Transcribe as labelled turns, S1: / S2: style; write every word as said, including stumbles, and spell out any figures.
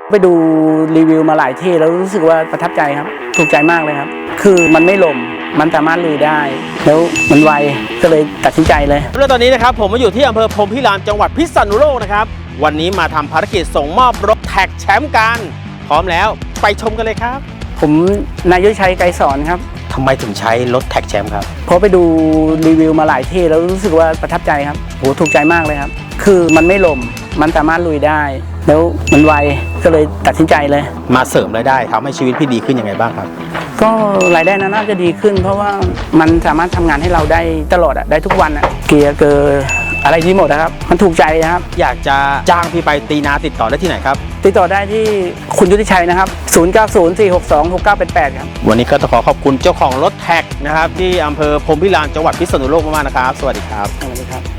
S1: ไปดูรีวิวมาหลายที่แล้วรู้สึกว่าประทับใจครับถูกใจมากเลยครับคือมันไม่หล่มมันสามารถลุยได้แล้วมันไวก็เลยตัดสินใจเลย
S2: แล้วตอนนี้นะครับผมมาอยู่ที่อำเภอพรหมพิรามจังหวัดพิษณุโลกนะครับวันนี้มาทำภารกิจส่งมอบรถแท็กแชมป์กันพร้อมแล้วไปชมกันเลยครับ
S1: ผมนายยุทธชัยไกรสอนครับ
S2: ทำไมถึงใช้รถแท็กแชมป์ครับ
S1: เพราะไปดูรีวิวมาหลายที่แล้วรู้สึกว่าประทับใจครับโหถูกใจมากเลยครับคือมันไม่หล่มมันสามารถลุยได้แล้วมันไวก็เลยตัดสินใจเลย
S2: มาเสริมรายได้ทำให้ชีวิตพี่ดีขึ้นยังไงบ้างครับ
S1: ก็รายได้น่าจะดีขึ้นเพราะว่ามันสามารถทำงานให้เราได้ตลอดอ่ะได้ทุกวันอ่ะเกียร์เกอร์อะไรที่หมดนะครับมันถูกใจนะครับ
S2: อยากจะจ้างพี่ไปตีนาติดต่อได้ที่ไหนครับ
S1: ติดต่อได้ที่คุณยุทธชัยนะครับศูนย์ เก้า ศูนย์ สี่ หก สอง หก เก้า แปด แปดครับ
S2: วันนี้ก็ต้องขอขอบคุณเจ้าของรถแท็กนะครับที่อำเภอพรหมพิรามจังหวัดพิษณุโลกมากๆนะครับสวัสดีครับ
S1: สวัสดีครับ